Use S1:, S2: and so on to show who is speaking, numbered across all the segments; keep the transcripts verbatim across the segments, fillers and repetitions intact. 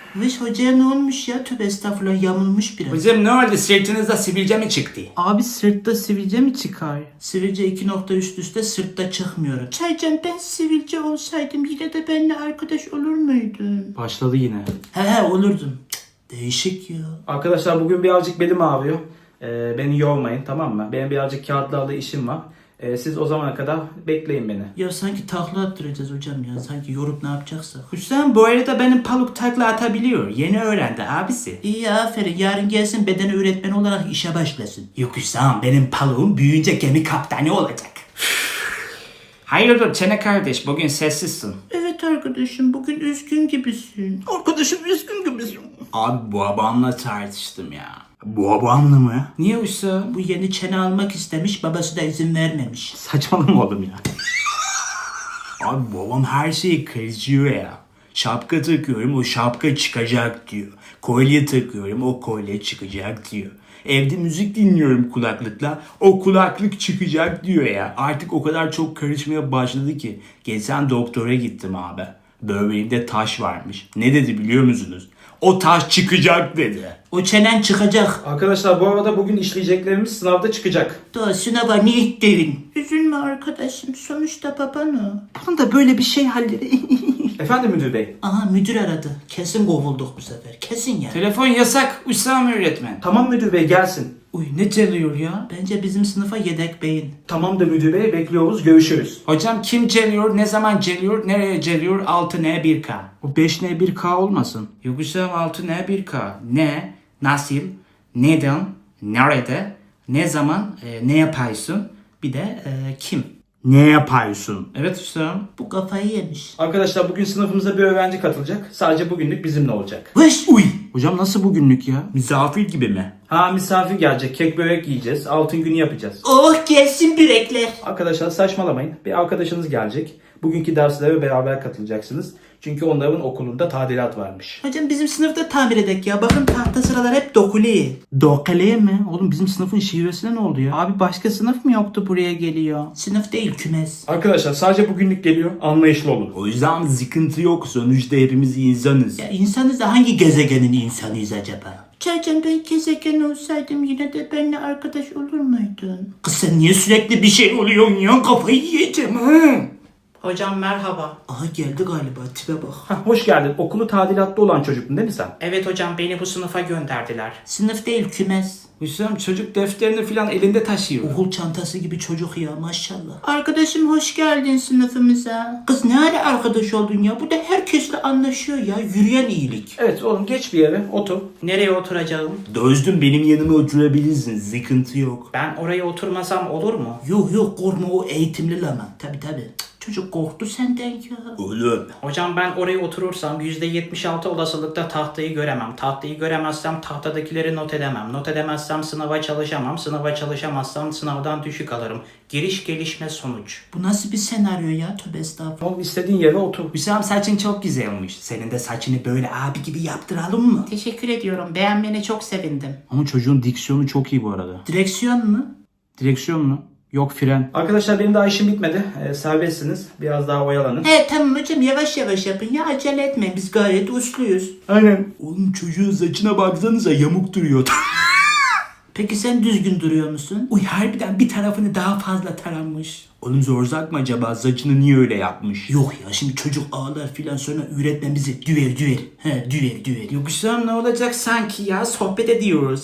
S1: Vış hocaya ne olmuş ya? Tövbe estağfurullah, yamulmuş biraz.
S2: Hocam ne oldu, sırtınızda sivilce mi çıktı?
S1: Abi sırtta sivilce mi çıkar? Sivilce iki nokta üst üste sırtta çıkmıyor. Çaycan, ben sivilce olsaydım yine de benimle arkadaş olur muydun?
S2: Başladı yine.
S1: He he olurdum. Cık, değişik ya.
S2: Arkadaşlar bugün birazcık belim ağrıyor. Ee, beni yormayın, tamam mı? Benim birazcık kağıtlarla işim var. Ee, siz o zamana kadar bekleyin beni.
S1: Ya sanki takla attıracağız hocam ya. Sanki yorup ne yapacaksak. Hüsam bu arada benim Paluk takla atabiliyor. Yeni öğrendi abisi. İyi, aferin. Yarın gelsin beden öğretmeni olarak işe başlasın. Yok Hüsam, benim Paluk'um büyüyünce gemi kaptanı olacak.
S2: Hayırdır Çene kardeş, bugün sessizsin.
S1: Evet arkadaşım, bugün üzgün gibisin. Arkadaşım üzgün gibisin.
S2: Abi bu babamla tartıştım ya. Bu babamla mı? Niye uysa?
S1: Bu yeni çene almak istemiş, babası da izin vermemiş.
S2: Saçmalama oğlum ya. Abi babam her şeyi kırıyor ya. Şapka takıyorum, o şapka çıkacak diyor. Kolye takıyorum, o kolye çıkacak diyor. Evde müzik dinliyorum kulaklıkla, o kulaklık çıkacak diyor ya. Artık o kadar çok karışmaya başladı ki. Geçen doktora gittim abi. Böbreğimde taş varmış. Ne dedi biliyor musunuz? O taş çıkacak dedi.
S1: O çenen çıkacak.
S2: Arkadaşlar bu arada bugün işleyeceklerimiz sınavda çıkacak.
S1: Daha sınava ne ittirin? Üzülme arkadaşım, sonuçta baban o. Bunun da böyle bir şey halleri.
S2: Efendim müdür bey?
S1: Aha, müdür aradı. Kesin kovulduk bu sefer. Kesin ya.
S2: Telefon yasak Hüsam öğretmen. Tamam müdür bey, gelsin.
S1: Uy, ne çalıyor ya? Bence bizim sınıfa yedek beyin.
S2: Tamam da müdür bey, bekliyoruz, görüşürüz. Hocam kim geliyor, ne zaman geliyor, nereye geliyor? altı N bir K.
S1: O beş N bir K olmasın.
S2: Yok Hüsam, altı N bir K. Ne, nasıl, neden, nerede, ne zaman, e, ne yapıyorsun? Bir de e, kim?
S1: Ne yapıyorsun?
S2: Evet Hüsam.
S1: Bu kafayı yemiş.
S2: Arkadaşlar bugün sınıfımıza bir öğrenci katılacak. Sadece bugünlük bizimle olacak.
S1: Vış!
S2: Uy!
S1: Hocam nasıl bugünlük ya?
S2: Misafir gibi mi? Ha, misafir gelecek. Kek börek yiyeceğiz. Altın günü yapacağız.
S1: Oh, gelsin bürekler.
S2: Arkadaşlar saçmalamayın. Bir arkadaşınız gelecek. Bugünkü derslere beraber katılacaksınız. Çünkü onların okulunda tadilat varmış.
S1: Hocam bizim sınıfta tamir edek ya. Bakın tahta sıralar hep dokulu. Dokulu mi? Oğlum bizim sınıfın şivesine ne oldu ya? Abi başka sınıf mı yoktu buraya geliyor? Sınıf değil, kümes.
S2: Arkadaşlar sadece bugünlük geliyor. Anlayışlı olun.
S3: O yüzden sıkıntı yok. Sonuçta hepimiz insanız.
S1: Ya insanız da hangi gezegenin insanıyız acaba? Çaycan, ben gezegen olsaydım yine de benimle arkadaş olur muydun? Kız sen niye sürekli bir şey oluyorsun ya? Kafayı yiyeceğim ha.
S4: Hocam merhaba.
S1: Aha geldi galiba, tipe bak.
S2: Hah, hoş geldin. Okulu tadilatta olan çocuktun değil mi sen?
S4: Evet hocam, beni bu sınıfa gönderdiler.
S1: Sınıf değil, kümes.
S2: Hüsam çocuk defterini falan elinde taşıyor.
S1: Okul çantası gibi çocuk ya, maşallah. Arkadaşım hoş geldin sınıfımıza. Kız ne ara arkadaş oldun ya? Bu da herkesle anlaşıyor ya. Yürüyen iyilik.
S2: Evet oğlum, geç bir yere otur.
S4: Nereye oturacağım?
S3: Dostum benim yanıma oturabilirsin. Sıkıntı yok.
S4: Ben oraya oturmasam olur mu?
S1: Yok yok, korkma, o eğitimli lama. Tabi tabi. Çocuk korktu senden ya.
S3: Oğlum.
S4: Hocam ben oraya oturursam yüzde yetmiş altı olasılıkla tahtayı göremem. Tahtayı göremezsem tahtadakileri not edemem. Not edemezsem sınava çalışamam. Sınava çalışamazsam sınavdan düşük alırım. Giriş gelişme sonuç.
S1: Bu nasıl bir senaryo ya? Tövbe estağfurullah.
S2: Oğlum istediğin yere otur.
S3: Hüsam saçın çok güzel olmuş. Senin de saçını böyle abi gibi yaptıralım mı?
S4: Teşekkür ediyorum. Beğenmene çok sevindim.
S1: Ama çocuğun diksiyonu çok iyi bu arada. Direksiyon mu? Direksiyon mu? Yok, fren.
S2: Arkadaşlar benim daha işim bitmedi. Ee, serbestsiniz. Biraz daha oyalanın.
S1: He tamam hocam, yavaş yavaş yapın ya, acele etmeyin, biz gayet usluyuz.
S2: Aynen.
S3: Oğlum çocuğun saçına baksanıza, yamuk duruyor.
S1: Peki sen düzgün duruyor musun?
S3: Uy harbiden bir tarafını daha fazla taranmış. Oğlum zorzak mı acaba? Saçını niye öyle yapmış?
S1: Yok ya, şimdi çocuk ağlar filan, sonra üretme bizi. Düver düver. He düver düver.
S3: Yok Hüsam ne olacak sanki ya? Sohbet ediyoruz.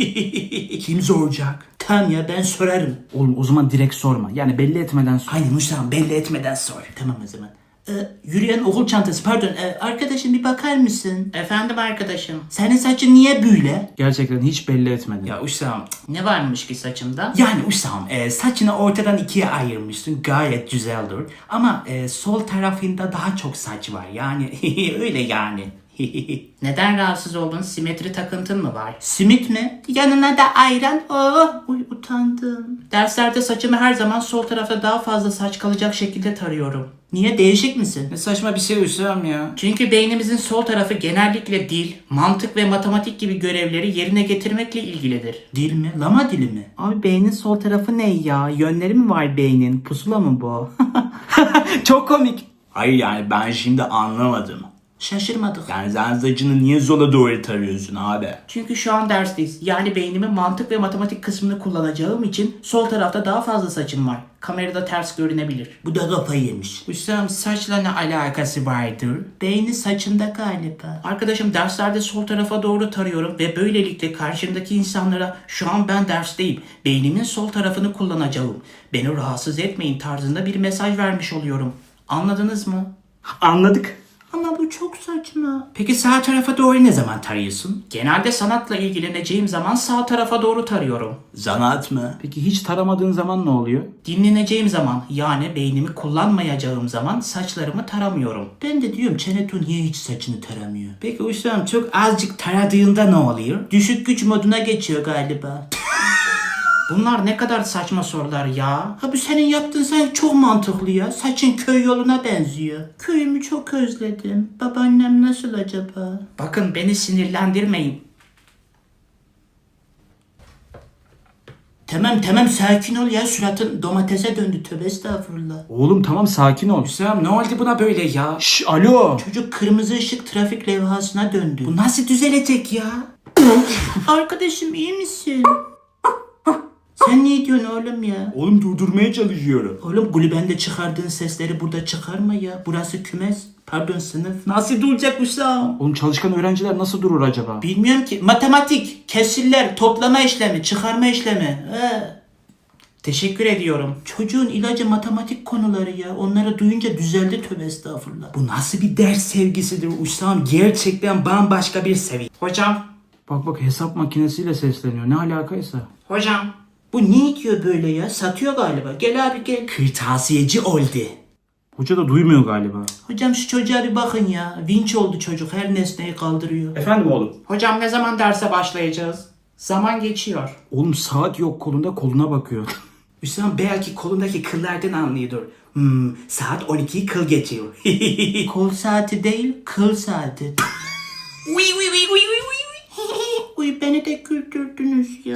S3: Kim zoracak?
S1: Tamam ya, ben sorarım.
S5: Oğlum o zaman direkt sorma. Yani belli etmeden sor.
S1: Aynen Hüsam, belli etmeden sor. Tamam o zaman. Ee, yürüyen okul çantası, pardon. Ee, arkadaşım bir bakar mısın?
S4: Efendim arkadaşım.
S1: Senin saçın niye böyle?
S5: Gerçekten hiç belli etmedin.
S3: Ya Hüsam.
S4: Ne varmış ki saçımda?
S3: Yani Hüsam e, saçını ortadan ikiye ayırmışsın. Gayet güzeldir. Ama e, sol tarafında daha çok saç var. Yani öyle yani.
S4: Neden rahatsız oldun? Simetri takıntın mı var?
S1: Simit mi? Yanına da ayran. Oh, uy utandım.
S4: Derslerde saçımı her zaman sol tarafta daha fazla saç kalacak şekilde tarıyorum.
S1: Niye, değişik misin?
S2: Ne saçma bir şey Hüsam ya.
S4: Çünkü beynimizin sol tarafı genellikle dil, mantık ve matematik gibi görevleri yerine getirmekle ilgilidir.
S1: Dil mi? Lama dili mi?
S5: Abi beynin sol tarafı ne ya? Yönleri mi var beynin? Pusula mı bu? Çok komik.
S3: Hayır yani ben şimdi anlamadım.
S1: Şaşırmadık.
S2: Yani sen saçını niye sola doğru tarıyorsun abi?
S4: Çünkü şu an dersteyiz. Yani beynimin mantık ve matematik kısmını kullanacağım için sol tarafta daha fazla saçım var. Kamerada ters görünebilir.
S1: Bu da kafayı yemiş. Hüsam saçla ne alakası vardır? Beyni saçında galiba.
S4: Arkadaşım derslerde sol tarafa doğru tarıyorum ve böylelikle karşımdaki insanlara şu an ben dersteyim. Beynimin sol tarafını kullanacağım. Beni rahatsız etmeyin tarzında bir mesaj vermiş oluyorum. Anladınız mı?
S5: Anladık.
S1: Ama bu çok saçma. Peki sağ tarafa doğru ne zaman tarıyorsun?
S4: Genelde sanatla ilgileneceğim zaman sağ tarafa doğru tarıyorum.
S2: Zanaat mı?
S5: Peki hiç taramadığın zaman ne oluyor?
S4: Dinleneceğim zaman yani beynimi kullanmayacağım zaman saçlarımı taramıyorum.
S1: Ben de diyorum Çenetu niye hiç saçını taramıyor? Peki Hüsam çok azıcık taradığında ne oluyor? Düşük güç moduna geçiyor galiba.
S4: Bunlar ne kadar saçma sorular ya.
S1: Ha bu senin yaptığın sanki çok mantıklı ya. Saçın köy yoluna benziyor. Köyümü çok özledim. Babaannem nasıl acaba?
S4: Bakın beni sinirlendirmeyin.
S1: Tamam tamam sakin ol ya. Suratın domatese döndü. Tövbe estağfurullah.
S5: Oğlum tamam sakin ol.
S4: Hüsam ne oldu buna böyle ya?
S5: Şş alo.
S1: Çocuk kırmızı ışık trafik levhasına döndü.
S4: Bu nasıl düzelecek ya?
S1: Arkadaşım iyi misin? Sen ne diyorsun oğlum ya?
S2: Oğlum durdurmaya çalışıyorum.
S1: Oğlum kulübende çıkardığın sesleri burada çıkarma ya. Burası kümes. Pardon sınıf.
S4: Nasıl duracak Hüsam?
S5: Oğlum çalışkan öğrenciler nasıl durur acaba?
S1: Bilmiyorum ki. Matematik, kesirler, toplama işlemi, çıkarma işlemi. He.
S4: Teşekkür ediyorum.
S1: Çocuğun ilacı matematik konuları ya. Onları duyunca düzeldi tövbe estağfurullah.
S4: Bu nasıl bir ders sevgisidir Hüsam? Gerçekten bambaşka bir seviye. Hocam,
S5: Bak bak hesap makinesiyle sesleniyor. Ne alakaysa.
S4: hocam.
S1: Bu ne diyor böyle ya? Satıyor galiba. Gel abi gel.
S4: Kırtasiyeci oldu.
S5: Hoca da duymuyor galiba.
S1: Hocam şu çocuğa bir bakın ya. Vinç oldu çocuk. Her nesneyi kaldırıyor.
S5: Efendim oğlum?
S4: Hocam ne zaman derse başlayacağız? Zaman geçiyor.
S5: Oğlum saat yok kolunda koluna bakıyor.
S4: Hüsam belki kolundaki kıllardan anlıyordur. Hmm, saat on ikiyi kıl geçiyor.
S1: Kol saati değil, kıl saati.
S4: Uy uy uy uy uy uy.
S1: Uy beni de güldürdünüz ya.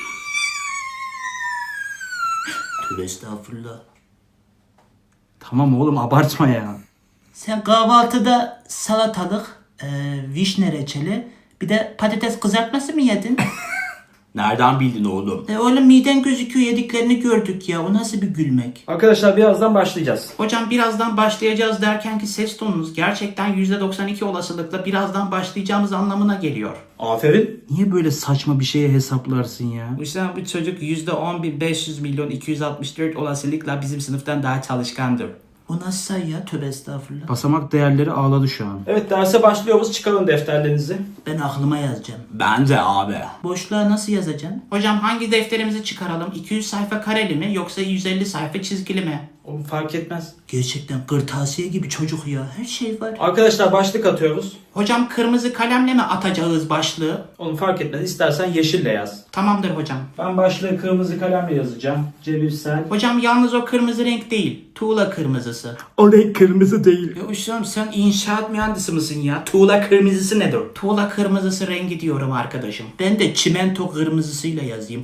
S1: Tövbe estağfurullah.
S5: Tamam oğlum abartma ya.
S1: Sen kahvaltıda salatalık, e, vişne reçeli, bir de patates kızartması mı yedin?
S2: Nereden bildin oğlum?
S1: E oğlum miden gözüküyor yediklerini gördük ya. O nasıl bir gülmek?
S5: Arkadaşlar birazdan başlayacağız.
S4: Hocam birazdan başlayacağız derken ki ses tonunuz gerçekten yüzde doksan iki olasılıkla birazdan başlayacağımız anlamına geliyor.
S5: Aferin. Niye böyle saçma bir şeye hesaplarsın ya?
S4: Hüsam bu çocuk yüzde on bin beş yüz milyon iki yüz altmış dört olasılıkla bizim sınıftan daha çalışkandır.
S1: O nasıl say ya? Tövbe estağfurullah.
S5: Basamak değerleri ağladı şu an. Evet derse başlıyoruz. Çıkarın defterlerinizi.
S1: Ben aklıma yazacağım.
S2: Ben de abi.
S1: Boşluğa nasıl yazacaksın?
S4: Hocam hangi defterimizi çıkaralım? iki yüz sayfa kareli mi yoksa yüz elli sayfa çizgili mi?
S5: Oğlum fark etmez.
S1: Gerçekten kırtasiye gibi çocuk ya. Her şey var.
S5: Arkadaşlar başlık atıyoruz.
S4: Hocam kırmızı kalemle mi atacağız başlığı?
S5: Oğlum fark etmez. İstersen yeşille yaz.
S4: Tamamdır hocam.
S5: Ben başlığı kırmızı kalemle yazacağım. Cebirsel.
S4: Hocam yalnız o kırmızı renk değil. Tuğla kırmızısı.
S5: O renk kırmızı değil.
S4: Ya Hüsam sen inşaat mühendisi misin ya? Tuğla kırmızısı nedir? Tuğla kırmızısı rengi diyorum arkadaşım.
S1: Ben de çimento kırmızısıyla yazayım.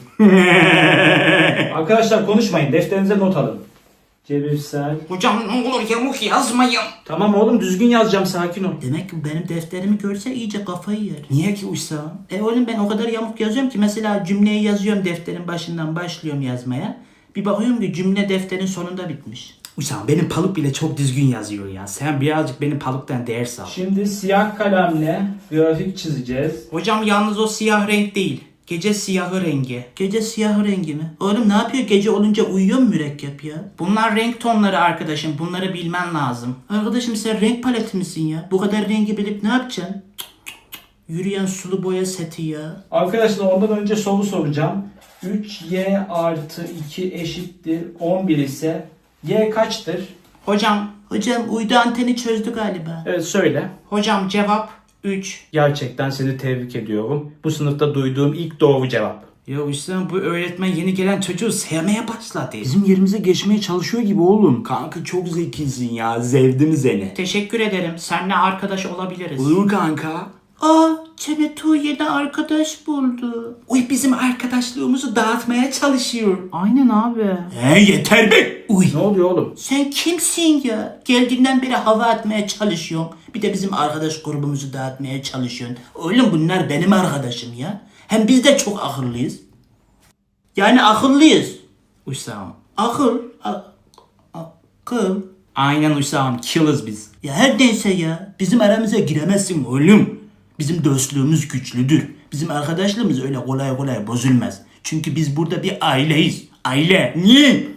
S5: Arkadaşlar konuşmayın. Defterinize not alın. Cebirsel.
S4: Hocam ne olur yamuk yazmayın.
S5: Tamam oğlum düzgün yazacağım. Sakin ol.
S1: Demek ki benim defterimi görse iyice kafayı yer.
S4: Niye ki Hüsam?
S1: E oğlum ben o kadar yamuk yazıyorum ki mesela cümleyi yazıyorum defterin başından başlıyorum yazmaya. Bir bakıyorum ki cümle defterin sonunda bitmiş.
S4: Hüsam benim paluk bile çok düzgün yazıyor ya. Sen birazcık benim paluktan ders al.
S5: Şimdi siyah kalemle grafik çizeceğiz.
S4: Hocam yalnız o siyah renk değil. Gece siyahı rengi.
S1: Gece siyahı rengi mi? Oğlum ne yapıyor gece olunca uyuyor mu mürekkep ya?
S4: Bunlar renk tonları arkadaşım. Bunları bilmen lazım.
S1: Arkadaşım sen renk paleti misin ya? Bu kadar rengi bilip ne yapacaksın? Cık cık cık. Yürüyen sulu boya seti ya.
S5: Arkadaşlar ondan önce soru soracağım. üç y artı iki eşittir on bir ise y kaçtır?
S4: Hocam,
S1: Hocam uydu anteni çözdü galiba.
S5: Evet söyle.
S4: hocam cevap üç.
S5: Gerçekten seni tebrik ediyorum. Bu sınıfta duyduğum ilk doğru cevap.
S4: Ya Hüsam bu öğretmen yeni gelen çocuğu sevmeye başladı.
S5: Bizim yerimize geçmeye çalışıyor gibi oğlum.
S2: Kanka çok zekisin ya. Zevdim seni.
S4: Teşekkür ederim. Seninle arkadaş olabiliriz.
S2: Olur kanka.
S1: Aa Çenetu yeni arkadaş buldu. Uy bizim arkadaşlığımızı dağıtmaya çalışıyor.
S5: Aynen abi.
S2: He yeter be.
S1: Uy
S5: Ne oluyor oğlum?
S1: sen kimsin ya? Geldiğinden beri hava atmaya çalışıyorsun. Bir de bizim arkadaş grubumuzu dağıtmaya çalışıyorsun. Oğlum bunlar benim arkadaşım ya. Hem biz de çok akıllıyız. Yani akıllıyız.
S3: Hüsam.
S1: Akıl. A- akıl.
S3: Aynen Hüsam. Killers biz.
S1: Ya her neyse ya. Bizim aramıza giremezsin oğlum. Bizim dostluğumuz güçlüdür. Bizim arkadaşlığımız öyle kolay kolay bozulmaz. Çünkü biz burada bir aileyiz. Aile. Niye?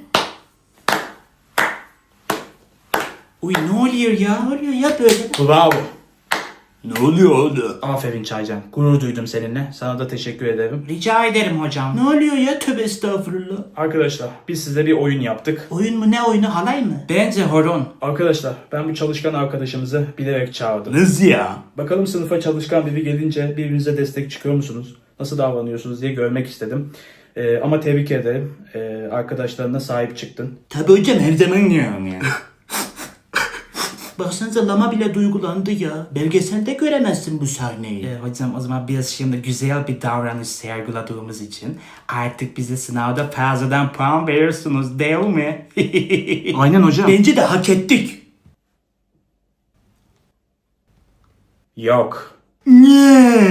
S3: Uy ne oluyor ya?
S1: Ne oluyor ya böyle?
S5: Bravo.
S2: Ne oluyor oğlum?
S5: Aferin Çaycan. Gurur duydum seninle. Sana da teşekkür ederim.
S3: Rica ederim hocam.
S1: Ne oluyor ya? Tövbe estağfurullah.
S5: Arkadaşlar biz size bir oyun yaptık.
S1: Oyun mu ne oyunu halay mı?
S3: Bence horon.
S5: Arkadaşlar ben bu çalışkan arkadaşımızı bilerek çağırdım.
S2: Nasıl ya?
S5: Bakalım sınıfa çalışkan biri gelince birbirinize destek çıkıyor musunuz? Nasıl davranıyorsunuz diye görmek istedim. Ee, ama tebrik ederim. Ee, arkadaşlarına sahip çıktın.
S1: Tabii hocam her zaman yani. Baksanıza lama bile duygulandı ya. Belgeselde göremezsin bu sahneyi.
S3: Ee, hocam o zaman biz şimdi güzel bir davranış sergiladığımız için artık bize sınavda fazladan puan verirsiniz değil mi?
S5: Aynen hocam.
S1: Bence de hak ettik.
S5: Yok.
S1: Niye?